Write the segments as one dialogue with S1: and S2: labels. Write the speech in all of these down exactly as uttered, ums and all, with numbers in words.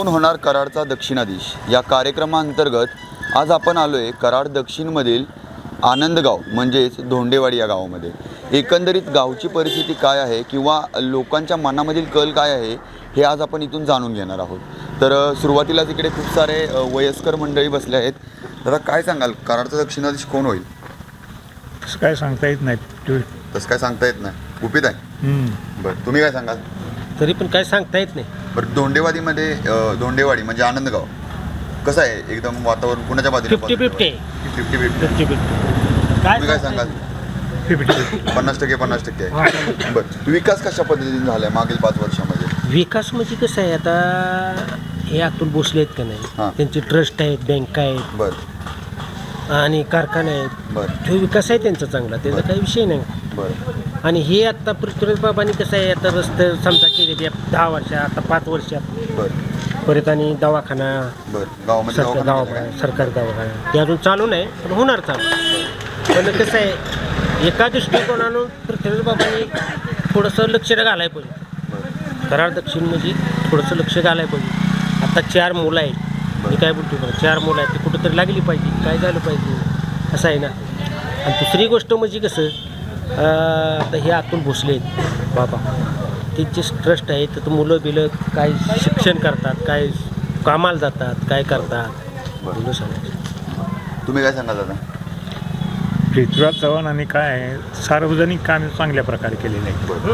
S1: कोण होणार कराडचा दक्षिणाधीश या कार्यक्रमाअंतर्गत आज आपण आलो आहे कराड दक्षिणमधील आनंदगाव म्हणजेच धोंडेवाडी या गावामध्ये. एकंदरीत गावची परिस्थिती काय आहे किंवा लोकांच्या मनामधील कल काय आहे हे आज आपण इथून जाणून घेणार आहोत. तर सुरुवातीलाच इकडे खूप सारे वयस्कर मंडळी बसले आहेत. दादा काय सांगाल, कराडचा दक्षिणाधीश कोण होईल?
S2: तसं काय सांगता येत नाही.
S1: तसं काय सांगता येत नाही, गुपित आहे. बरं, तुम्ही काय सांगाल?
S3: तरी पण काय सांगता येत नाही.
S1: बरं, धोंडेवाडीमध्ये धोंडेवाडी म्हणजे आनंदगाव कसं आहे? एकदम वातावरण कुणाच्या बाजूने?
S3: Fifty fifty
S1: fifty fifty
S3: fifty fifty
S1: तुम्ही काय सांगाल?
S2: फिफ्टी
S1: पन्नास टक्के पन्नास टक्के आहे. बरं, विकास कशा पद्धतीने झाला आहे मागील पाच वर्षामध्ये?
S3: विकास म्हणजे कसं आहे, आता हे अतुल भोसले आहेत का
S1: हां.
S3: नाही, त्यांचे ट्रस्ट आहेत, बँका आहेत
S1: बरं
S3: आणि कारखाने आहेत.
S1: बरं
S3: तो विकास आहे त्यांचा चांगला, त्याचा काही विषय नाही.
S1: बरं
S3: आणि हे आता पृथ्वीराज बाबांनी कसं आहे, आता रस्ते समजा केलेले दहा वर्षात, आता पाच वर्षात
S1: बरं
S3: परत आणि दवाखाना
S1: बरं गावामध्ये
S3: सरकार
S1: दवाखाना झाला
S3: दवाखाना सरकारी दवाखाना ते अजून चालू नाही, पण होणार चालू. पण कसं आहे, एका दृष्टिकोनानं पृथ्वीराज बाबांनी थोडंसं लक्ष घालायला पाहिजे.
S1: का? बरं
S3: कराड दक्षिण म्हणजे थोडंसं लक्ष घालायला पाहिजे. आता चार मुलं आहेत, मी काय बोलतो बरं, चार मुलं आहेत, ती कुठंतरी लागली पाहिजे, काय झालं पाहिजे असं आहे ना. आणि दुसरी गोष्ट म्हणजे कसं, आता हे अतुल भोसले आहेत बाबा, त्यांचे ट्रस्ट आहेत, तर मुलं बिलं काय शिक्षण करतात, काय कामाला जातात, काय करतात मुलं सांगायचं.
S1: तुम्ही काय सांगाल दादा?
S2: पृथ्वीराज चव्हाणांनी काय आहे, सार्वजनिक कामे चांगल्या प्रकारे केलेली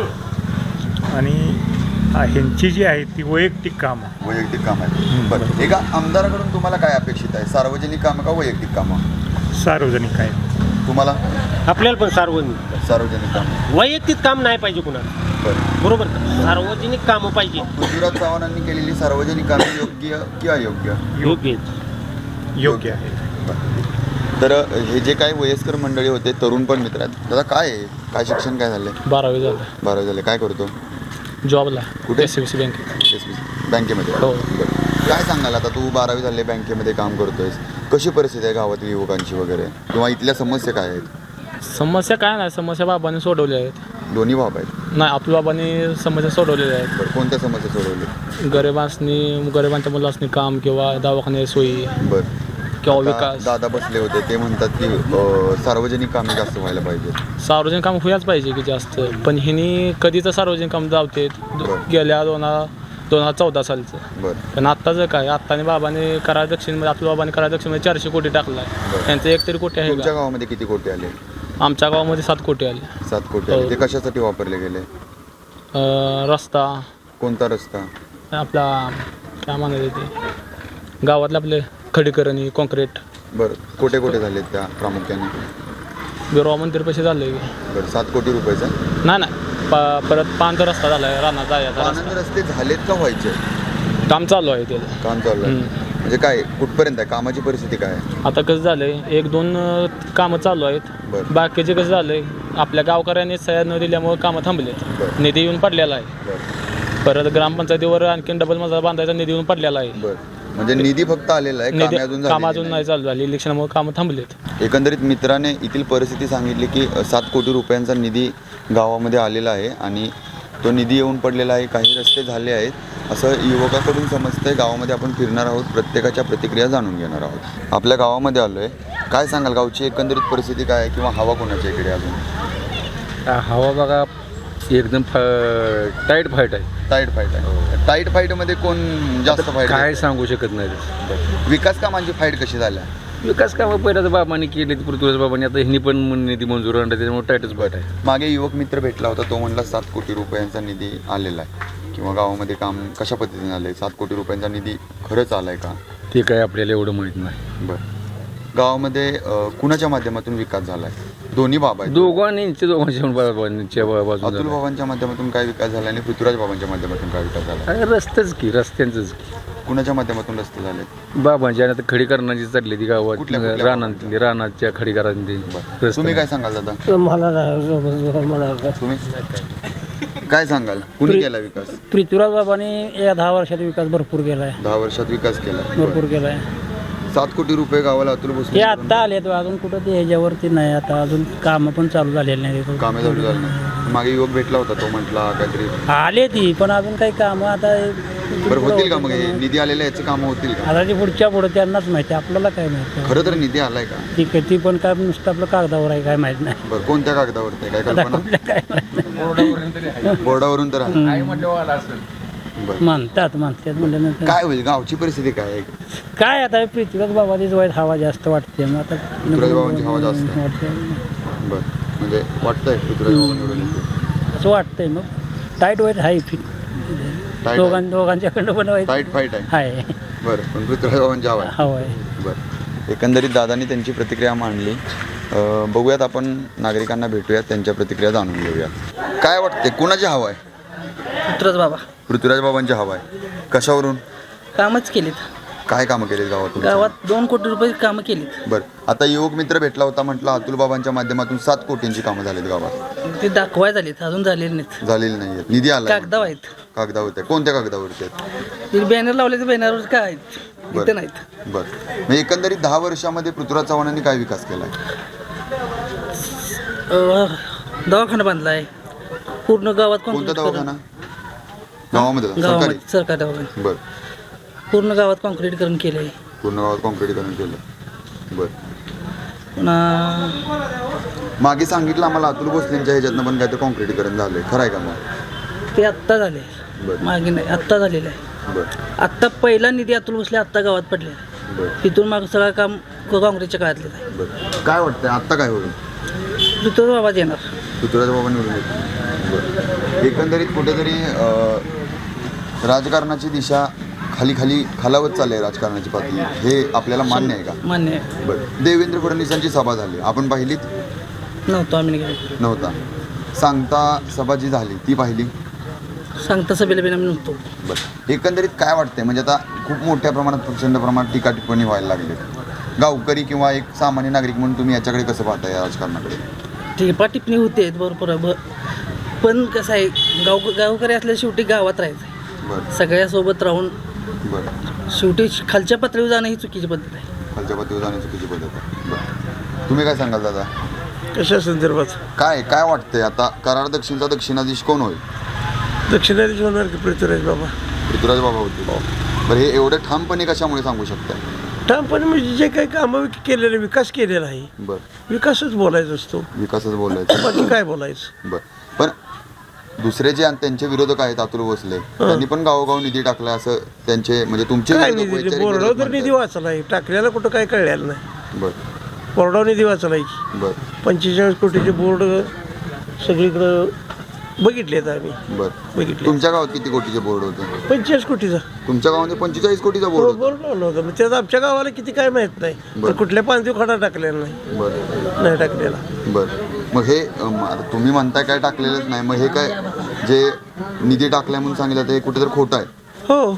S2: आहेत. आणि ह्यांची जी आहे ती वैयक्तिक कामं
S1: वैयक्तिक काम आहे. बरं, एका आमदाराकडून तुम्हाला काय अपेक्षित आहे? सार्वजनिक कामं का वैयक्तिक कामं?
S2: सार्वजनिक आहे.
S1: तुम्हाला?
S3: आपल्याला पण सार्वजनिक
S1: सार्वजनिक काम.
S3: वैयक्तिक काम नाही पाहिजे कुणाला,
S1: बरं,
S3: बरोबर का? सार्वजनिक कामं पाहिजे.
S1: पृथ्वीराज चव्हाणांनी केलेली सार्वजनिक कामे योग्य की अयोग्य?
S3: योग्य
S2: योग्य आहे.
S1: बरं. तर हे जे काही वयस्कर मंडळी होते, तरुण पण मित्र आहेत. दादा काय आहे, काय शिक्षण काय झालं?
S3: बारावी झालं,
S1: बारावी झाले. काय करतो?
S3: जॉबला
S1: कुठे?
S3: एस बी सी बँकेत.
S1: एस बी सी बँकेमध्ये.
S3: हो.
S1: बरं. काय सांगाल, आता तू बारावी झाले, बँकेमध्ये काम करतोयस, कशी परिस्थिती आहे गावातील युवकांची वगैरे, किंवा इथल्या समस्या काय आहेत?
S4: समस्या काय नाही, समस्या बाबांनी सोडवल्या आहेत.
S1: दोन्ही बाब आहेत?
S4: नाही, आपल्या बाबांनी समस्या सोडवलेल्या आहेत.
S1: बरं, कोणत्या समस्या सोडवली?
S4: गरिबांनी गरिबांच्या मुलांनी काम किंवा दवाखान्याची सोयी
S1: बरं.
S4: किंवा
S1: आता
S4: विकास.
S1: दादा बसले होते, ते म्हणतात की अ, सार्वजनिक कामे जास्त व्हायला पाहिजे.
S4: सार्वजनिक काम व्हायलाच पाहिजे की जास्त, पण ह्यांनी कधीच सार्वजनिक काम जावते
S1: बरं.
S4: गेल्या दोन हजार दोन हजार चौदा सालचं.
S1: बरं
S4: पण आत्ताचं काय, आत्ताने बाबांनी कराड दक्षिणमध्ये आपल्या बाबांनी कराड दक्षिणमध्ये चारशे कोटी टाकला आहे.
S1: बरं.
S4: त्यांचं एक तरी कोटी आहे
S1: तुमच्या
S4: का?
S1: गावामध्ये किती कोटी आले?
S4: आमच्या गावामध्ये सात कोटी आले.
S1: सात कोटी आले. ते कशासाठी वापरले गेले?
S4: अं, रस्ता,
S1: कोणता रस्ता?
S4: आपला काय म्हणायचं ते गावातले आपले खडीकरणी, कॉन्क्रीट.
S1: बरं, कोटे कोटे झाले त्या प्रामुख्याने?
S4: बिरोबा मंदिर पैसे झाले.
S1: बरं, सात कोटी रुपयाचा?
S4: नाही नाही प परत पांच रस्ता झाला आहे, रानात जायचा
S1: आनंद रस्ते झालेत का व्हायचे?
S4: रस्ता. काम चालू आहे त्याचं.
S1: काम चालू आहे.
S4: हम्म.
S1: म्हणजे काय, कुठपर्यंत आहे कामाची परिस्थिती काय आहे?
S4: आता कसं झालं आहे, एक दोन अं, कामं चालू आहेत.
S1: बरं.
S4: बाकीचे कसं झालं आहे, आपल्या गावकऱ्यांनी सह्या न दिल्यामुळे कामं थांबलेत.
S1: बरं.
S4: निधी येऊन पडलेला आहे.
S1: बरं
S4: परत ग्रामपंचायतीवर आणखीन डबल मजला बांधायचा निधी येऊन पडलेला आहे.
S1: बरं, म्हणजे निधी फक्त आलेला आहे,
S4: निधी
S1: कामे अजून
S4: काम
S1: झालेली
S4: अजून
S1: नाही.
S4: नाही चालू झाली, इलेक्शनमुळे कामं थांबलेत.
S1: एकंदरीत मित्राने येथील परिस्थिती सांगितली की सात कोटी रुपयांचा निधी गावामध्ये आलेला आहे आणि तो निधी येऊन पडलेला आहे, काही रस्ते झाले आहेत असं युवकाकडून समजतंय. गावामध्ये आपण फिरणार आहोत, प्रत्येकाच्या प्रतिक्रिया जाणून घेणार आहोत. आपल्या गावामध्ये आलो आहे, काय सांगाल गावची एकंदरीत परिस्थिती काय आहे किंवा हवा कोणाच्या इकडे अजून?
S5: हवा बघा एकदम टाईट फाईट आहे.
S1: टाईट फाईट आहे. टाईट फाईटमध्ये कोण जास्त फाईट?
S5: काय सांगू शकत नाही.
S1: विकास कामांची फाईट कशी झाल्या?
S5: विकास कामं पहिल्या तर बाबांनी केली, पृथ्वीराज बाबांनी, आता ह्यांनी पण निधी मंजूर आणला, त्याच्यामुळे टाईटच फाईट आहे.
S1: मागे युवक मित्र भेटला होता, तो म्हणला सात कोटी रुपयांचा निधी आलेला आहे किंवा गावामध्ये काम कशा पद्धतीने आलं आहे, सात कोटी रुपयांचा निधी खरंच आला आहे का?
S5: ते काय आपल्याला एवढं माहीत नाही.
S1: बरं, गावामध्ये अ, कुणाच्या माध्यमातून विकास झाला आहे? दोन्ही बाबा आहेत.
S5: दोघांनी दोघांच्या बाबांच्या बाजून
S1: अतुल बाबांच्या माध्यमातून काय विकास झाला आणि पृथ्वीराज बाबांच्या माध्यमातून काय विकास झाला?
S5: रस्तेच की, रस्त्यांचंच की.
S1: कुणाच्या माध्यमातून रस्ते झाले?
S5: बाबांच्या आता खडीकरणाची चालली ती गावात,
S1: कुठल्या- कुठल्या
S5: रानातली रानाच्या खडीकरांची.
S1: तुम्ही काय सांगाल दादा?
S3: मला मला
S1: तुम्ही काय सांगाल, कुणी केला विकास?
S3: पृथ्वीराज बाबांनी या दहा वर्षात विकास भरपूर केला आहे.
S1: दहा वर्षात विकास केला.
S3: भरपूर केला आहे.
S1: सात कोटी रुपये गावाला अतुल
S3: हे
S1: भोसले
S3: आत्ता आले अजून कुठं ते ह्याच्यावरती नाही, आता अजून कामं पण चालू झालेली नाही.
S1: कामे चालू झाली. मागे युवक भेटला होता, तो म्हटला काहीतरी
S3: आले ती, पण अजून काही कामं आता
S1: बरं होतील का मग हे निधी आलेल्या याची कामं होतील का?
S6: आता ते पुढच्या पुढं त्यांनाच माहिती आहे, आपल्याला काय माहिती
S1: खरं तर निधी आलाय का?
S6: ती किती पण काय नुसतं आपलं कागदावर आहे काय माहीत नाही.
S1: बरं कोणत्या कागदावरती आहे? काय
S6: आता
S1: कल्पना?
S6: कुठल्या काय माहित नाही.
S1: बोर्डावरून तर आहे. बरं
S6: म्हणतात म्हणतात म्हणल्यानंतर
S1: काय होईल गावची परिस्थिती काय आहे?
S6: काय आता पृथ्वीराज बाबाचीच वाईट हवा जास्त वाटते मग आता
S1: पृथ्वीराज बाबांची हवा जास्त आहे.
S6: वाटते.
S1: बरं म्हणजे वाटतंय पृथ्वीराज बाबा निवडून येतील.
S6: असं वाटतंय मग टाईट वाईट आहे फिट
S1: आहे.
S6: दोघां दोघांच्याकडं पण वाईट
S1: टाईट फाईट आहे.
S6: आहे
S1: बरं पण पृथ्वीराज बाबांची हवा आहे.
S6: हवा आहे.
S1: बरं एकंदरीत दादांनी त्यांची प्रतिक्रिया मांडली. अं, बघूयात आपण नागरिकांना भेटूयात, त्यांच्या प्रतिक्रिया जाणून घेऊयात. काय वाटते कुणाची हवा आहे?
S7: पुत्रच बाबा
S1: पृथ्वीराज बाबांची हवा आहे. कशावरून?
S7: कामच केलीत
S1: काय कामं केली गावातून?
S7: गावात दोन कोटी रुपये कामं केलीत.
S1: बरं आता युवक मित्र भेटला होता, म्हटलं अतुल बाबांच्या माध्यमातून सात कोटींची कामं झालीत गावात.
S7: ते दाखवाय झालीत अजून झालेली नाहीत.
S1: झालेली नाही आहेत. निधी आला
S7: कागदाव आहेत.
S1: कागदावरती आहे. कोणत्या कागदावरती आहेत?
S7: ते बॅनर लावले तर बॅनरवर काय आहेत इथं नाहीत.
S1: बरं मग एकंदरीत दहा वर्षामध्ये पृथ्वीराज चव्हाणांनी काय विकास केला आहे?
S7: अं, दवाखाना बांधलाय पूर्ण गावात.
S1: कोणता
S7: कॉन्क्रीट
S1: दवाखाना?
S7: करून
S1: गावामध्ये सरकारी?
S7: गावामध्ये सरकारी दवाखाना
S1: बरं
S7: पूर्ण गावात कॉन्क्रीटीकरण केलंय.
S1: पूर्ण गावात कॉन्क्रीटीकरण केलं. बरं
S7: पुन्हा
S1: मागे सांगितलं आम्हाला अतुल भोसलेंच्या ह्याच्यातनं पण काहीतरी कॉन्क्रीटीकरण झालंय, खरं आहे का मग?
S7: ते आत्ता झाले
S1: बरं
S7: मागे नाही आत्ता झालेलं आहे.
S1: बरं
S7: आत्ता पहिला निधी अतुल बसले आत्ता गावात पडले.
S1: बरं
S7: तिथून मागं सगळं काम काँग्रेसच्या काळातलं आहे.
S1: बरं काय वाटतंय आत्ता काय होईल?
S7: तिथं बाबा येणार.
S1: पृथ्वीराज बाबा निवडून येतील. बरं एकंदरीत कुठेतरी अं, राजकारणाची दिशा खाली खाली खालावत चालली आहे राजकारणाची पातळी, हे आपल्याला मान्य आहे का?
S7: मान्य आहे.
S1: बरं देवेंद्र फडणवीसांची सभा झाली, आपण पाहिलीत?
S7: नव्हतं आम्ही नाही गेलो.
S1: नव्हता. सांगता सभा जी झाली ती पाहिली?
S7: सांगता सभेला बिना आम्ही नव्हतो.
S1: बरं एकंदरीत काय वाटतंय म्हणजे आता खूप मोठ्या प्रमाणात प्रचंड प्रमाणात टीका टिप्पणी व्हायला लागली. गावकरी किंवा एक सामान्य नागरिक म्हणून तुम्ही याच्याकडे कसं पाहता या राजकारणाकडे?
S7: टिपा टिप्पणी होते बरोबर आहे. ब- पण कसं आहे गाव गावकरी असल्या शेवटी गावात राहायचं आहे.
S1: बरं
S7: सगळ्यासोबत राहून
S1: बरं
S7: शेवटी खालच्या पातळीवर जाणं ही चुकीची पद्धत आहे.
S1: खालच्या पातळीवर जाण्याची चुकीची पद्धत आहे. बरं तुम्ही काय सांगाल दादा?
S8: कशा संदर्भात?
S1: काय काय वाटतंय आता कराड दक्षिणचा दक्षिणाधीश कोण होईल?
S8: दक्षिणाधीश होणार की पृथ्वीराज बाबा?
S1: पृथ्वीराज बाबा होतील. बरं हे एवढे ठामपणे कशामुळे सांगू शकता?
S8: ठामपणे म्हणजे जे काही कामं केलेलं विकास केलेला आहे
S1: बरं
S8: विकासच बोलायचा असतो,
S1: विकासच बोलायचं.
S8: बाकी काय बोलायचं.
S1: बरं पण दुसरे जे आणि त्यांचे विरोधक आहेत अतुल भोसले त्यांनी पण गावोगाव निधी टाकला असं त्यांचे म्हणजे तुमचे
S8: काय
S1: विरोधक,
S8: निधी
S1: वैचारिक
S8: बोर्डावर
S1: विरोधक
S8: तर निधी
S1: म्हणतात.
S8: वाचला आहे, टाकलेला कुठं काय कळलेलं नाही.
S1: बरं
S8: बोर्डावर निधी वाचला आहे.
S1: बरं
S8: पंचेचाळीस कोटीचे बोर्ड सगळीकडं बघितलेत आम्ही,
S1: बरं
S8: बघितले.
S1: तुमच्या गावात किती कोटीचे बोर्ड होते?
S8: पंचेचाळीस कोटीचा
S1: तुमच्या गावामध्ये पंचेचाळीस कोटीचा बोर्ड होता.
S8: बोर्ड लावला होता. मग त्यात आमच्या गावाला किती काय माहित नाही,
S1: बरं.
S8: पण कुठल्या पानदेव खडा टाकलेला नाही,
S1: बरं
S8: नाही टाकलेला.
S1: बरं मग हे अम, आता तुम्ही म्हणताय काय टाकलेलंच नाही, मग हे काय जे निधी टाकलाय म्हणून सांगितलं ते कुठेतरी खोटं आहे?
S8: हो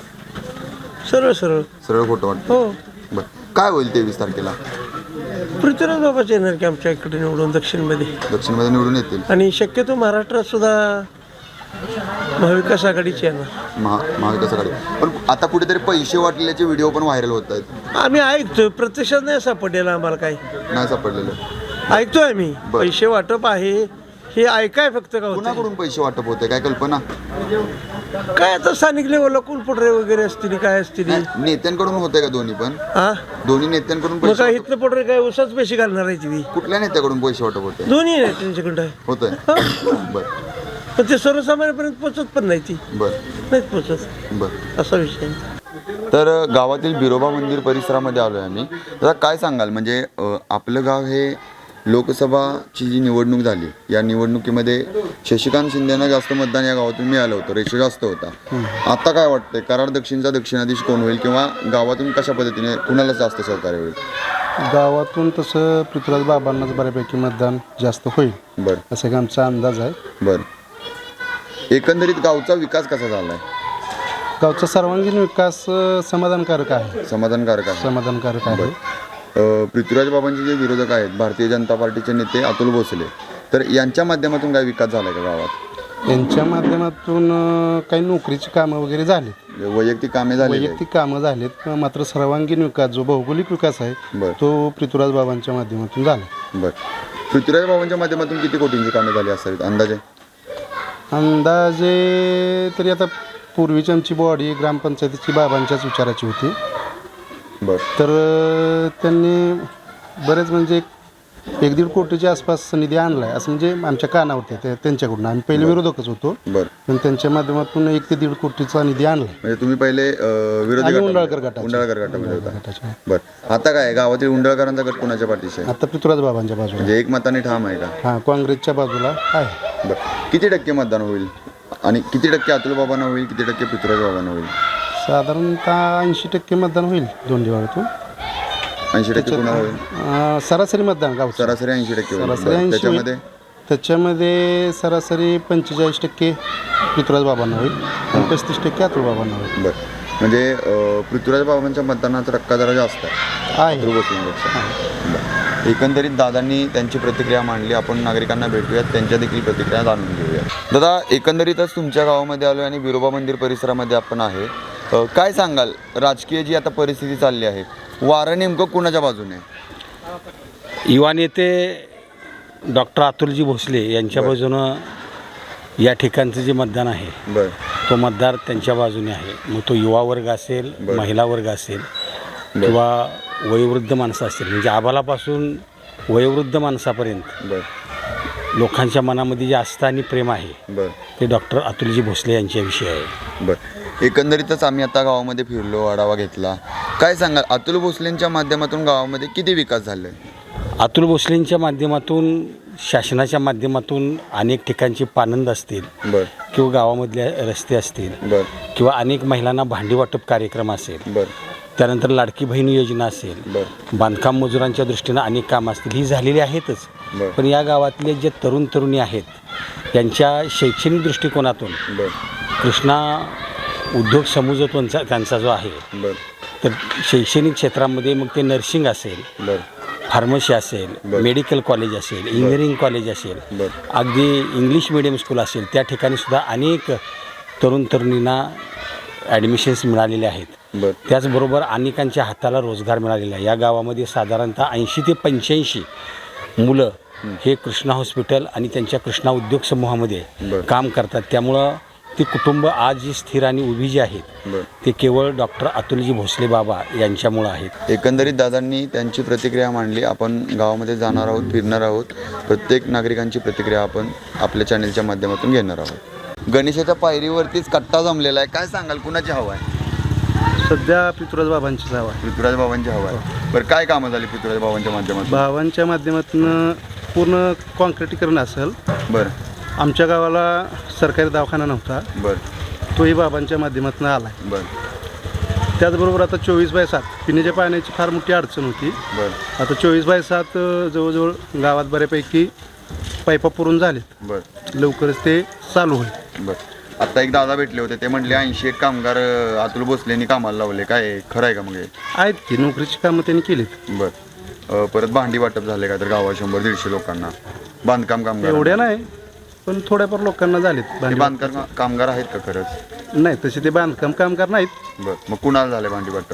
S8: सरळ सरळ
S1: सरळ खोटं वाटतं.
S8: हो.
S1: बरं काय होईल तेवीस तारखेला?
S8: पृथ्वीराज बाबाच येणार की आमच्या इकडे निवडून दक्षिणमध्ये,
S1: दक्षिणमध्ये निवडून येतील.
S8: आणि शक्यतो महाराष्ट्रात सुद्धा महाविकास आघाडीची येणार.
S1: महा महाविकास आघाडी. पण आता कुठेतरी पैसे वाटलेल्याचे व्हिडिओ पण व्हायरल होत आहेत,
S8: आम्ही ऐकतोय, प्रत्यक्षात नाही सापडलेलं आम्हाला काही.
S1: नाही सापडलेलं.
S8: ऐकतोय आम्ही
S1: बरं.
S8: पैसे वाटप आहे हे ऐकाय फक्त का होतं.
S1: कुणाकडून पैसे वाटप होते काय कल्पना?
S8: काय आता स्थानिक लेवलला कुलपुटरे वगैरे असतील काय असतील.
S1: नाही, नेत्यांकडून होते का दोन्ही पण?
S8: हा
S1: दोन्ही नेत्यांकडून
S8: मग
S1: पैसे
S8: काय
S1: वाटप-
S8: इथलं पुटरे काय उसाच पैसे घालणार आहे ती
S1: कुठल्या नेत्याकडून पैसे वाटप होते?
S8: दोन्ही आहे त्यांच्याकडं आहे.
S1: होतंय.
S8: हा.
S1: बरं
S8: पण ते सर्वसामान्यपर्यंत पोचत पण नाही ती
S1: बरं
S8: नाहीच पोचत,
S1: बरं
S8: असा विषय आहे.
S1: तर अ, गावातील बिरोबा मंदिर परिसरामध्ये आलो आहे आम्ही. आता काय सांगाल म्हणजे अ, आपलं गाव हे लोकसभाची जी निवडणूक झाली या निवडणुकीमध्ये शशिकांत शिंदेना जास्त मतदान या गावातून मिळालं होतं, रेशो जास्त होता. आता काय वाटतंय कराड दक्षिणचा दक्षिणाधीश कोण होईल किंवा गावातून कशा पद्धतीने कुणाला जास्त सहकार्य होईल?
S9: गावातून तसं पृथ्वीराज बाबांनाच बऱ्यापैकी मतदान जास्त होईल
S1: बरं
S9: असा एक आमचा अंदाज आहे.
S1: बरं एकंदरीत गावचा विकास कसा झाला आहे?
S9: गावचा सर्वांगीण विकास अ, समाधानकारक आहे
S1: समाधानकारक आहे.
S9: समाधानकारक आहे.
S1: अ, पृथ्वीराज बाबांचे जे विरोधक आहेत भारतीय जनता पार्टीचे नेते अतुल भोसले, तर यांच्या माध्यमातून काय विकास झाला का गावात?
S9: यांच्या माध्यमातून अ, काही नोकरीची कामं वगैरे झाली,
S1: वैयक्तिक कामे झाली
S9: वैयक्तिक कामं झालीत, मात्र सर्वांगीण विकास जो भौगोलिक विकास आहे
S1: बरं
S9: तो पृथ्वीराज बाबांच्या माध्यमातून झाला.
S1: बरं पृथ्वीराज बाबांच्या माध्यमातून किती कोटींची कामे झाली असावीत अंदाजे?
S9: अंदाजे तरी आता पूर्वीची आमची बॉडी ग्रामपंचायतीची बाबांच्याच विचाराची होती.
S1: बरं
S9: तर अ, त्यांनी बरेच म्हणजे एक एक दीड कोटीच्या आसपास निधी आणला आहे असं म्हणजे आमच्या कानावरती ते त्यांच्याकडून. आम्ही पहिले विरोधकच होतो,
S1: बरं
S9: पण त्यांच्या माध्यमातून एक ते दीड कोटीचा निधी आणला
S1: म्हणजे तुम्ही पहिले अ, विरोधी
S9: आम्ही
S1: गटामध्ये-
S9: उंडाळकर गटाचे.
S1: उंडाळकर गटामध्ये होता.
S9: गटाचे.
S1: बरं आता काय गावातील उंडाळकरांचा गट कोणाच्या पाठीशी आहे?
S9: आता पृथ्वीराज बाबांच्या बाजूला.
S1: म्हणजे एक मताने ठाम आहे का?
S9: हां, काँग्रेसच्या बाजूला आहे.
S1: बरं किती टक्के मतदान होईल आणि किती टक्के अतुल बाबांना होईल, किती टक्के पृथ्वीराज बाबांना होईल?
S9: साधारणतः ऐंशी टक्के मतदान होईल दोन दिवाळीतून.
S1: ऐंशी टक्के पुन्हा होईल.
S9: अं, सरासरी मतदान गाव
S1: सरासरी ऐंशी टक्के होईल.
S9: सरासरी
S1: बरं,
S9: ऐंशी
S1: त्याच्यामध्ये
S9: होईल. त्याच्यामध्ये सरासरी पंचेचाळीस टक्के पृथ्वीराज बाबांना होईल आणि पस्तीस टक्के अतुल बाबांना होईल.
S1: बरं म्हणजे अ, पृथ्वीराज बाबांच्या मतदानाचा टक्का जरा जास्त आहे
S9: आहे
S1: अतुल भोसलेंपेक्षा. बरं. एकंदरीत दादांनी त्यांची प्रतिक्रिया मांडली. आपण नागरिकांना भेटूयात, त्यांच्या देखील प्रतिक्रिया जाणून घेऊया. दादा एकंदरीतच तुमच्या गावामध्ये आलो आणि बिरोबा मंदिर परिसरामध्ये आपण आहे. अ, काय सांगाल राजकीय जी आता परिस्थिती चालली आहे, वारं नेमकं कुणाच्या बाजूने आहे?
S10: युवा नेते डॉक्टर अतुलजी भोसले यांच्या बाजूनं या ठिकाणचं जे मतदान आहे
S1: बरं
S10: तो मतदार त्यांच्या बाजूने आहे. मग तो युवा वर्ग असेल, महिला वर्ग असेल किंवा वयोवृद्ध माणसं असतील, म्हणजे आबालापासून वयोवृद्ध माणसापर्यंत
S1: बरं
S10: लोकांच्या मनामध्ये जे आस्था आणि प्रेम आहे
S1: बरं
S10: ते डॉक्टर अतुलजी भोसले यांच्याविषयी आहे.
S1: बरं एकंदरीतच आम्ही आता गावामध्ये फिरलो, आढावा घेतला. काय सांगाल अतुल भोसलेंच्या माध्यमातून गावामध्ये किती विकास झाले?
S10: अतुल भोसलेंच्या माध्यमातून, शासनाच्या माध्यमातून अनेक ठिकाणचे पानंद असतील
S1: बरं
S10: किंवा गावामधले रस्ते असतील
S1: बरं
S10: किंवा अनेक महिलांना भांडी वाटप कार्यक्रम असेल,
S1: बरं
S10: त्यानंतर लाडकी बहीण योजना असेल,
S1: बरं
S10: बांधकाम मजुरांच्या दृष्टीनं अनेक कामं असतील, ही झालेली आहेतच.
S1: बरं
S10: पण या गावातले जे तरुण तरुणी आहेत यांच्या शैक्षणिक दृष्टिकोनातून
S1: बरं
S10: कृष्णा उद्योग समूह जो त्यांचा त्यांचा जो आहे
S1: बरं
S10: तर शैक्षणिक क्षेत्रामध्ये मग ते नर्सिंग असेल,
S1: बरं
S10: फार्मसी असेल,
S1: बरं.
S10: मेडिकल कॉलेज असेल, इंजिनिअरिंग कॉलेज असेल,
S1: बरं
S10: अगदी इंग्लिश मिडियम स्कूल असेल, त्या ठिकाणी सुद्धा अनेक तरुण तरुणींना ॲडमिशन्स मिळालेले आहेत.
S1: बरं
S10: त्याचबरोबर अनेकांच्या हाताला रोजगार मिळालेला आहे. या गावामध्ये साधारणतः ऐंशी ते पंच्याऐंशी मुलं हे कृष्णा हॉस्पिटल आणि त्यांच्या कृष्णा उद्योग समूहामध्ये
S1: बरं.
S10: काम करतात. त्यामुळं ती कुटुंब आज जी स्थिर आणि उभी जी आहेत
S1: बरं
S10: ते केवळ डॉक्टर अतुलजी भोसले बाबा यांच्यामुळं आहेत.
S1: एकंदरीत दादांनी त्यांची प्रतिक्रिया मांडली. आपण गावामध्ये जाणार आहोत, फिरणार आहोत. प्रत्येक नागरिकांची प्रतिक्रिया आपण आपल्या चॅनलच्या माध्यमातून घेणार आहोत. गणेशाच्या पायरीवरतीच कट्टा जमलेला आहे. काय सांगाल कुणाची हवा आहे?
S9: सध्या पृथ्वीराज बाबांचीच हवा आहे.
S1: पृथ्वीराज बाबांची हवा आहे. बरं काय कामं झाली पृथ्वीराज बाबांच्या माध्यमातून?
S9: बाबांच्या माध्यमातून पूर्ण कॉन्क्रिटीकरण असेल.
S1: बरं
S9: आमच्या गावाला सरकारी दवाखाना नव्हता,
S1: बरं
S9: तोही बाबांच्या माध्यमातून आला आहे.
S1: बरं
S9: त्याचबरोबर आता चोवीस बाय सात पिण्याच्या पाण्याची फार मोठी अडचण होती.
S1: बरं
S9: आता चोवीस बाय सात अ, जवळजवळ गावात बऱ्यापैकी पाईपा पुरून झालेत.
S1: बरं
S9: लवकरच ते चालू होईल.
S1: बरं आता एक दादा भेटले होते, ते म्हणले ऐंशी एक कामगार अ, अतुल भोसलेंनी कामाला लावले. काय खरं आहे का मग हे?
S9: आहेत की नोकरीची कामं त्यांनी केलीत.
S1: बरं अ, परत भांडी वाटप झाले का तर गावात शंभर दीडशे लोकांना बांधकाम कामगार?
S9: एवढ्या नाही, पण थोड्याफार लोकांना झालेत.
S1: ते
S9: भांडी
S1: बांधकाम कामगार आहेत का खरंच?
S9: नाही, तसे ते बांधकाम कामगार नाहीत.
S1: बरं मग कुणाला झाले भांडी वाटप?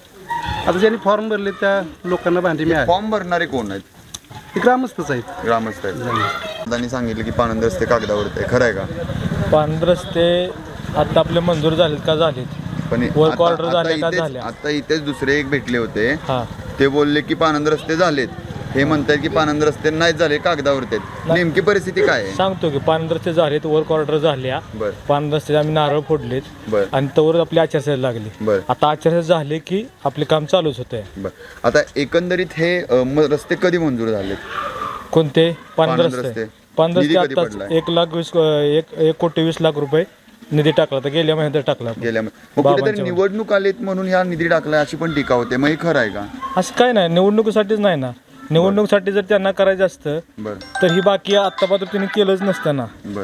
S9: आता ज्यांनी फॉर्म भरले त्या लोकांना भांडी मिळाली.
S1: फॉर्म भरणारे कोण आहेत?
S9: ते ग्रामस्थच आहेत.
S1: ग्रामस्थ आहेत. दादांनी सांगितलं की पानंद रस्ते कागदावरती आहे. खरं आहे का?
S4: पांढर रस्ते आता आपले मंजूर झालेत का झालेत?
S1: पण
S4: Work
S1: आता-
S4: order
S1: आता
S4: झाल्या का
S1: इथेच-
S4: झाल्या?
S1: आता इथेच दुसरे एक भेटले होते.
S4: हां
S1: ते बोलले की पानंद रस्ते झालेत. हे म्हणतात की पानंद रस्ते नाहीत झाले, कागदावरती आहेत. नेमकी परिस्थिती काय आहे?
S4: सांगतो की पांढर रस्ते झालेत, वर्क ऑर्डर झाल्या,
S1: बरं
S4: पांढर रस्ते आम्ही नारळ फोडलेत
S1: बरं
S4: आणि तवर आपली आचारसंहिता लागली.
S1: बरं
S4: आता आचारसंहिता झाले की आपले काम चालूच होतंय.
S1: बरं आता एकंदरीत हे अ, म- रस्ते कधी मंजूर झालेत?
S4: कोणते पांढर
S1: पांढर
S4: रस्ते?
S1: रस्ते.
S4: पांढर
S1: निधी
S4: रस्ते
S1: कधी
S4: आताच
S1: पडलाय?
S4: एक लाख वीस एक एक कोटी वीस लाख रुपये निधी टाकला तर गेल्या महिन्यात टाकला.
S1: गेल्या मग कुठेतरी
S4: बाबांच्या
S1: निवडणूक आलेत म्हणून ह्या निधी टाकलाय अशी पण टीका होते. मग हे खरं आहे का?
S4: असं काय नाही, निवडणुकीसाठीच नाही ना. निवडणुकीसाठी जर त्यांना करायचं असतं
S1: बरं
S4: तर ही बाकी आत्तापासून त्यांनी केलंच नसतं ना.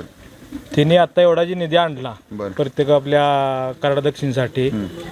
S1: बरं
S4: त्यांनी आता एवढा जी निधी आणला
S1: बरं
S4: प्रत्येक आपल्या कराड दक्षिणसाठी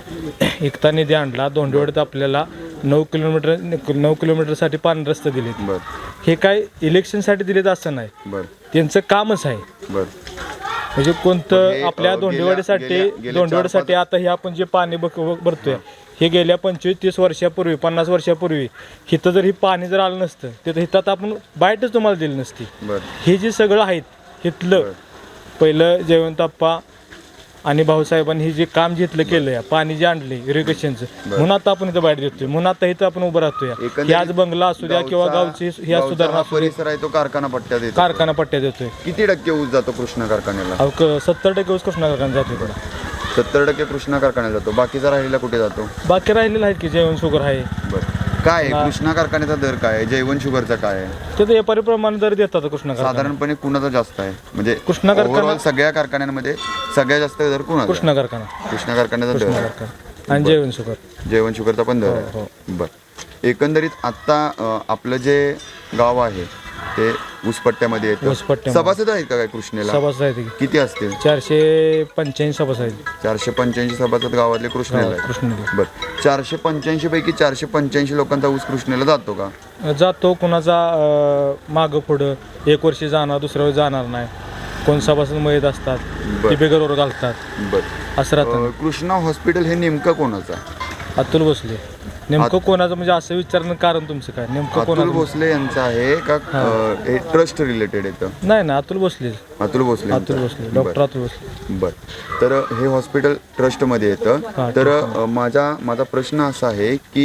S4: एकता निधी आणला. दोंडवडीत आपल्याला नऊ किलोमीटर नऊ किलोमीटरसाठी पाणी रस्ते दिलेत.
S1: बरं
S4: हे काय इलेक्शनसाठी दिलेत असं नाही,
S1: बरं
S4: त्यांचं कामच आहे.
S1: बरं
S4: म्हणजे
S1: पण
S4: कोणतं
S1: हे,
S4: आपल्या
S1: अ, गेल्या-
S4: दोंडेवाडीसाठी
S1: गेल्या- गेल्या
S4: दोंडेवाडीसाठी
S1: चार-
S4: आता हे आपण जे पाणी बघ भरतोय हे गेल्या पंचवीस तीस वर्षापूर्वी पन्नास वर्षापूर्वी इथं जर ही पाणी जर आलं नसतं तर इथं आता आपण बाईटच तुम्हाला दिली नसती.
S1: बरं
S4: हे जे सगळं आहेत इथलं पहिलं जयवंत आप्पा आणि भाऊसाहेबांनी हे जे काम घेतलं केलं या पाणी जे आणले इरिगेशनचं म्हणून आता आपण इथं बाहेर देतोय म्हणून आता इथं आपण उभं राहतोय हे आज बंगला असू द्या किंवा गावची ह्या
S1: गावचा
S4: सुधारणा
S1: हा
S4: असू द्या,
S1: परिसर आहे तो कारखाना पट्ट्यात येतो.
S4: कारखाना पट्ट्या देतोय.
S1: किती टक्के ऊस जातो कृष्णा कारखान्याला?
S4: अहो, क- सत्तर टक्के ऊस कृष्णा कारखाना जातो इकडं.
S1: सत्तर टक्के कृष्णा कारखान्याला जातो. बाकीचा राहिलेला कुठे जातो?
S4: बाकी राहिलेलं आहेत की जेवण शुगर आहे
S1: बरं, काय आहे कृष्णा कारखान्याचा दर काय आहे? जैवन शुगरचा काय आहे?
S4: ते तर व्यापारी प्रमाणे दर देतात कृष्णा कारखाना.
S1: साधारणपणे कुणाचा जास्त आहे? म्हणजे
S4: कृष्णा कारखाना-
S1: overall सगळ्या कारखान्यांमध्ये सगळ्यात जास्त दर कुणाचा?
S4: कृष्णा कारखाना
S1: कृष्णा कारखान्याचा दर
S4: कृष्णा
S1: आहे.
S4: कारखाना आणि जेवण शुगर.
S1: जेवण शुगरचा पण दर
S4: हो,
S1: आहे. बरं, एकंदरीत आता अं, आपलं जे गाव आहे ते ऊसपट्ट्यामध्ये येतं.
S4: ऊसपट्ट्यामध्ये.
S1: सभासद आहेत का काय कृष्णेला?
S4: सभासद आहेत की
S1: किती असतील?
S4: चारशे पंच्याऐंशी सभासद आहेत.
S1: चारशे पंच्याऐंशी सभासद गावातले कृष्णेला आहेत.
S4: कृष्णेला
S1: बरं, चारशे पंच्याऐंशी पैकी चारशे पंच्याऐंशी लोकांचा ऊस कृष्णेला जातो का?
S4: जातो कुणाचा अं, मागं पुढं एक वर्षी जाणार दुसऱ्या वेळी जाणार नाही. कोण सभासद मयत असतात
S1: बरं.
S4: ते बेगरवर घालतात
S1: बरं,
S4: असं राहतं.
S1: अं, कृष्णा हॉस्पिटल हे नेमकं कोणाचं आहे?
S4: अतुल भोसले नेमकं कोणाचं म्हणजे असं विचारणं कारण तुमचं काय नेमकं
S1: अतुल
S4: कोणाचं?
S1: भोसले यांचं आहे का अं, हे ट्रस्ट रिलेटेड येतं?
S4: नाही ना अतुल भोसले
S1: अतुल भोसले
S4: अतुल
S1: यांचं.
S4: भोसले डॉक्टर अतुल भोसले.
S1: बरं, तर हे हॉस्पिटल ट्रस्टमध्ये येतं.
S4: हा,
S1: तर अ, माझा माझा प्रश्न असा आहे की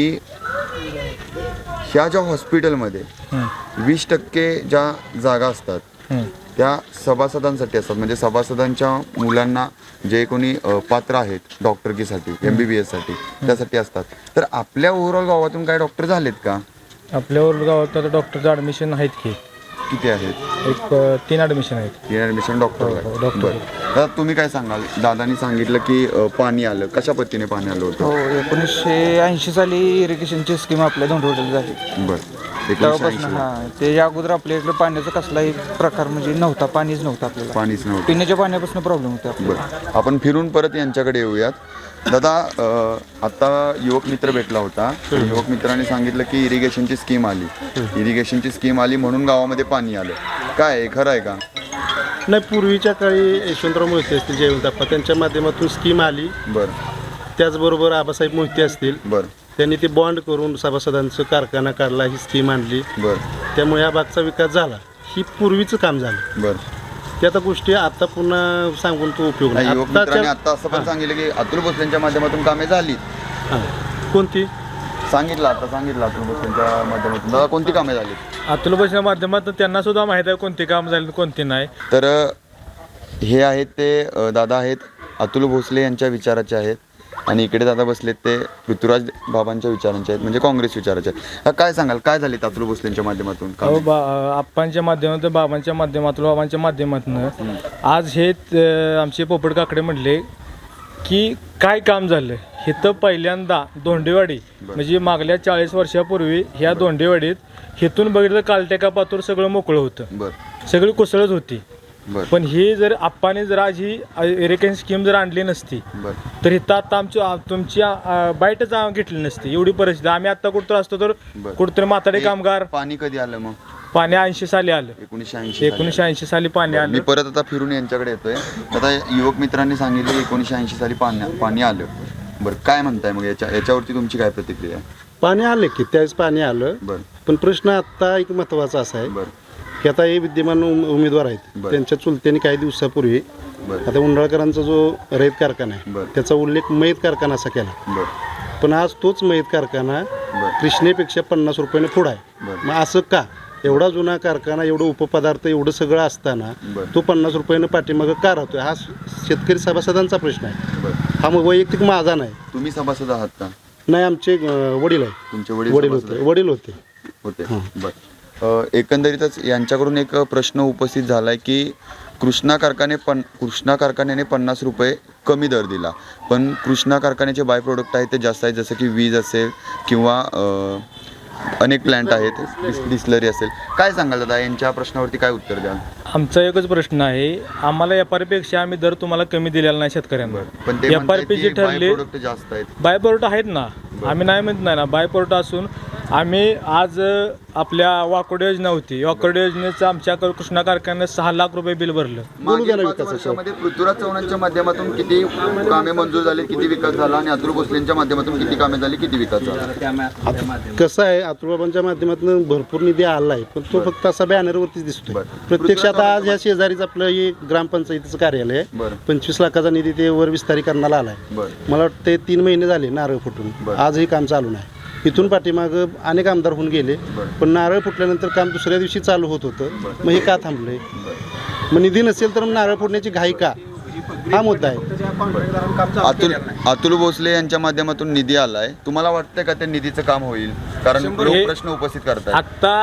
S1: ह्या ज्या हॉस्पिटलमध्ये
S4: हं,
S1: वीस टक्के ज्या जागा असतात
S4: हं.
S1: त्या सभासदांसाठी असतात. म्हणजे सभासदांच्या मुलांना जे कोणी अ, पात्र आहेत डॉक्टरकीसाठी एम बी बी एससाठी त्यासाठी असतात. तर आपल्या ओव्हरऑल गावातून काय डॉक्टर झालेत का?
S4: आपल्यावर गावात आता डॉक्टरचं ॲडमिशन आहेत की
S1: किती आहेत?
S4: एक अं, तीन ॲडमिशन आहेत.
S1: तीन ॲडमिशन डॉक्टर
S4: हो, हो,
S1: आहे.
S4: डॉक्टर.
S1: बरं, आता तुम्ही काय सांगाल? दादानी सांगितलं की अ, पाणी आलं. कशा पद्धतीने पाणी आलं होतं?
S6: हो एकोणीसशे ऐंशी साली इरिगेशनची स्कीम आपल्या धोंडवडीला झाली.
S1: बरं, एकोणीसशे
S6: तेव्हापासून
S1: ऐंशी
S6: हां ते या अगोदर आपल्या इकडे पाण्याचा कसलाही प्रकार म्हणजे नव्हता. पाणीच नव्हतं आपल्याला.
S1: पाणीच नव्हतं.
S6: पिण्याच्या पाण्यापासून प्रॉब्लेम होते आपल्याला.
S1: बरं, आपण फिरून परत यांच्याकडे येऊयात. दादा, अ, आता युवक मित्र भेटला होता. युवक मित्राने सांगितलं की इरिगेशनची स्कीम आली. इरिगेशनची स्कीम आली म्हणून गावामध्ये पाणी आलं. काय आहे, खरं आहे का?
S9: नाही, पूर्वीच्या काळी यशवंतराव मोहिते असतील, जयवंतप्पा, त्यांच्या माध्यमातून स्कीम आली.
S1: बरं
S9: त्याचबरोबर आबासाहेब मोहिते असतील,
S1: बरं
S9: त्यांनी ते बॉन्ड करून सभासदांचं कारखाना काढला, ही स्कीम आणली.
S1: बरं
S9: त्यामुळे या भागचा विकास झाला. ही पूर्वीचं काम झालं.
S1: बरं
S9: ते आता गोष्टी आता पुन्हा सांगून तो उपयोग नाही.
S1: नाही, युवक मित्राने
S9: आत्ताच्या-
S1: आता असं पण सांगितलं की अतुल भोसलेंच्या माध्यमातून कामे झाली.
S9: हां. कोणती?
S1: सांगितलं आता सांगितलं अतुल भोसलेंच्या माध्यमातून. दादा, कोणती कामे झाली?
S4: अतुल भोसलेच्या माध्यमातून त्यांना सुद्धा माहीत आहे कोणते काम झाले कोणते नाही.
S1: तर अ, हे आहेत ते अ, दादा आहेत अतुल भोसले यांच्या विचाराचे आहेत. आणि इकडे दादा बसलेत ते पृथ्वीराज बाबांच्या विचारांचे आहेत, म्हणजे काँग्रेस विचाराचे आहेत. काय सांगाल, काय झाले अतुल भोसलेंच्या माध्यमातून
S4: अहो
S1: कामे?
S4: बा आप्पांच्या माध्यमातून बाबांच्या माध्यमातून बाबांच्या माध्यमातून आज हे त- आमचे पोपट काकडे म्हणले की काय काम झालं हे तर पहिल्यांदा धोंडेवाडी म्हणजे मागल्या चाळीस वर्षापूर्वी ह्या धोंडेवाडीत हेतून बघितलं कालटेका पातूर सगळं मोकळं होतं.
S1: बरं
S4: सगळी कुसळच होती.
S1: बरं
S4: पण ही जर आप्पाने जर आज ही इरिगेशन स्कीम जर आणली नसती
S1: बरं
S4: तर इथं आता आमची आ- तुमची आ- बाईटच आ- घेतली नसती. एवढी परिस्थिती. आम्ही आता कुठतर असतो तर
S1: बरं.
S4: कुठतरी म्हातारे कामगार.
S1: पाणी कधी आलं मग?
S4: पाणी ऐंशी साली आलं.
S1: एकोणीसशे ऐंशी
S4: एकोणीसशे ऐंशी साली पाणी
S1: मी
S4: आलं.
S1: परत आता फिरून यांच्याकडे येतोय. आता युवक मित्रांनी सांगितलं एकोणीसशे ऐंशी साली पाणी पाणी आलं. बरं, काय म्हणताय मग याच्या याच्यावरती तुमची काय प्रतिक्रिया?
S9: पाणी आलं की त्यावेळेस पाणी आलं.
S1: बरं
S9: पण प्रश्न आत्ता एक महत्त्वाचा असा आहे
S1: बरं
S9: की आता हे विद्यमान उम- उमेदवार आहेत,
S1: बरं.
S9: त्यांच्या चुलत्याने काही दिवसापूर्वी
S1: बरं
S9: आता उंडाळकरांचा जो रयत कारखाना आहे
S1: बरं.
S9: त्याचा उल्लेख मयत कारखाना असा केला.
S1: बरं
S9: पण आज तोच मयत कारखाना
S1: बरं
S9: कृष्णेपेक्षा पन्नास रुपयाने पुढं आहे.
S1: बरं.
S9: मग असं का? एवढा जुना कारखाना, एवढं उपपदार्थ, एवढं सगळं असताना
S1: बरं.
S9: तो पन्नास रुपयानं पाठीमागं का राहतोय? हा शेतकरी सभासदांचा प्रश्न आहे.
S1: बरं
S9: हा मग वैयक्तिक माझा नाही.
S1: तुम्ही सभासद आहात का?
S9: नाही, आमचे अं, वडील आहे.
S1: तुमचे वडील
S9: वडील
S1: सभासद
S9: होते
S1: आहेत?
S9: वडील होते
S1: होते. बरं अ, एकंदरीतच यांच्याकडून एक प्रश्न उपस्थित झाला आहे की कृष्णा कारखाने पण कृष्णा कारखान्याने पन्नास रुपये कमी दर दिला, पण कृष्णा कारखान्याचे बाय प्रोडक्ट आहेत ते जास्त आहेत, जसं की वीज असेल किंवा अ, अनेक प्लॅन्ट आहेत, डिस डिस्लरी असेल. काय सांगाल दादा, यांच्या प्रश्नावरती काय उत्तर द्याल?
S4: आमचा एकच प्रश्न आहे, आम्हाला एफ आर पेक्षा आम्ही दर तुम्हाला कमी दिलेला नाही शेतकऱ्यांना.
S1: पण ते
S4: एफ आर
S1: म्हणतायत
S4: पी
S1: की
S4: जी
S1: बाय
S4: ठरली
S1: प्रोडक्ट जास्त आहेत.
S4: बाय प्रोडक्ट आहेत ना, आम्ही नाही म्हणत नाही ना. बाय प्रोडक्ट असून आम्ही आज अ, आपल्या वाकोडी योजना होती वाकोडी योजनेचं आमच्या कृष्णा कारखान्यात सहा लाख रुपये बिल भरलं.
S1: मागील पाच वर्षामध्ये पृथ्वीराज चव्हाणांच्या माध्यमातून किती कामे मंजूर झाली, किती विकास झाला आणि अतुल भोसलेंच्या माध्यमातून किती कामे झाली, किती विकास झाला?
S9: कसं आहे अतुलबाबांच्या माध्यमातून भरपूर निधी आला आहे पण तो फक्त असा बॅनरवरतीच दिसतोय. प्रत्यक्षात आज ह्या शेजारीच आपलं हे ग्रामपंचायतीचं कार्यालय आहे.
S1: बरं.
S9: पंचवीस लाखाचा निधी ते वर विस्तारीकरणाला आलाय.
S1: बरं.
S9: मला वाटतं ते तीन महिने झाले नारळ फुटून. आजही काम चालू नाही. इथून पाठीमागं अनेक आमदार होऊन गेले पण नारळ फुटल्यानंतर काम दुसऱ्या दिवशी चालू होत होतं. मग हे का थांबलंय? मग निधी नसेल तर नारळ फोडण्याची घाई का? हा मुद्दा आहे.
S1: अतुल अतुल भोसले यांच्या माध्यमातून निधी आलाय, तुम्हाला वाटतंय का त्या निधीचं काम होईल? कारण लोक प्रश्न उपस्थित करतात.
S4: आत्ता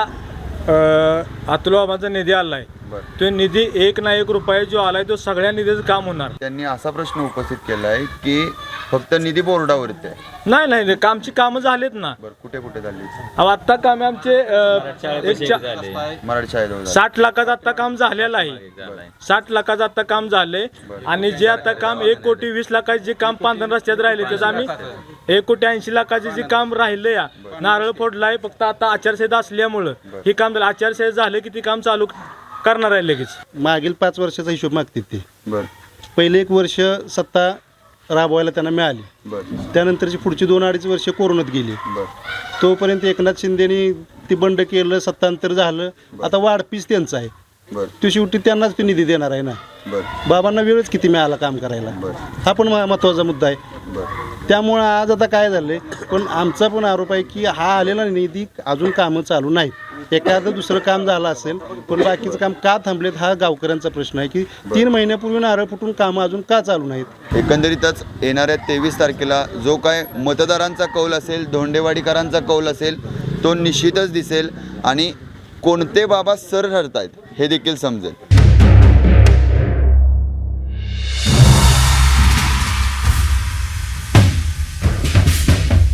S4: अतुल बाबांचा निधी आलाय तो निधी एक ना एक रुपये जो आलाय तो सगळ्या निधीचं काम होणार.
S1: त्यांनी असा प्रश्न उपस्थित केलाय की फक्त निधी बोर्डावरती आहे.
S4: नाही नाही नाही, आमची कामं झालीत ना.
S1: बरं, कुठे कुठे झाली?
S4: अहो, आत्ता काम आमचे अ, एक चा-
S1: मराठी शाळेजवळ
S4: साठ लाखाचं आता काम झालेलं आहे. साठ लाखाचं आता काम झालंय आणि जे आता काम एक कोटी वीस लाखाचे जे काम पांढरण रस्त्यात राहिले त्याचं आम्ही एक कोटी ऐंशी लाखाचे जे काम राहिले या नारळ फोडलाय. फक्त आता आचारसंहिता असल्यामुळं हे काम झालं. आचारसंहिता झालं की ते काम चालू करणार आहे लगेच.
S9: मागील पाच वर्षाचा हिशोब मागतील ते.
S1: बरं
S9: पहिले एक वर्ष सत्ता राबवायला त्यांना मिळाली.
S1: बरं
S9: त्यानंतरची पुढची दोन अडीच वर्ष कोरोनात गेली.
S1: बरं
S9: तोपर्यंत एकनाथ शिंदेनी ती बंड केलं, सत्तांतर झालं. आता वाढपीस त्यांचा आहे.
S1: बरं
S9: तो शेवटी त्यांनाच ते निधी देणार आहे ना.
S1: बरं
S9: बाबांना वेळच किती मिळाला काम करायला, हा पण म- महत्त्वाचा मुद्दा आहे.
S1: बरं
S9: त्यामुळं आज आता काय झालंय पण आमचा पण आरोप आहे की हा आलेला निधी अजून कामं चालू नाहीत. एखादं दुसरं काम झालं असेल पण बाकीचं काम का थांबलेत हा गावकऱ्यांचा प्रश्न आहे की तीन महिन्यापूर्वी नारळ फुटून कामं अजून का चालू नाहीत.
S1: एकंदरीतच येणाऱ्या तेवीस तारखेला जो काय मतदारांचा कौल असेल, धोंडेवाडीकरांचा कौल असेल तो निश्चितच दिसेल आणि कोणते बाबा सर ठरतायत हे देखील समजेल.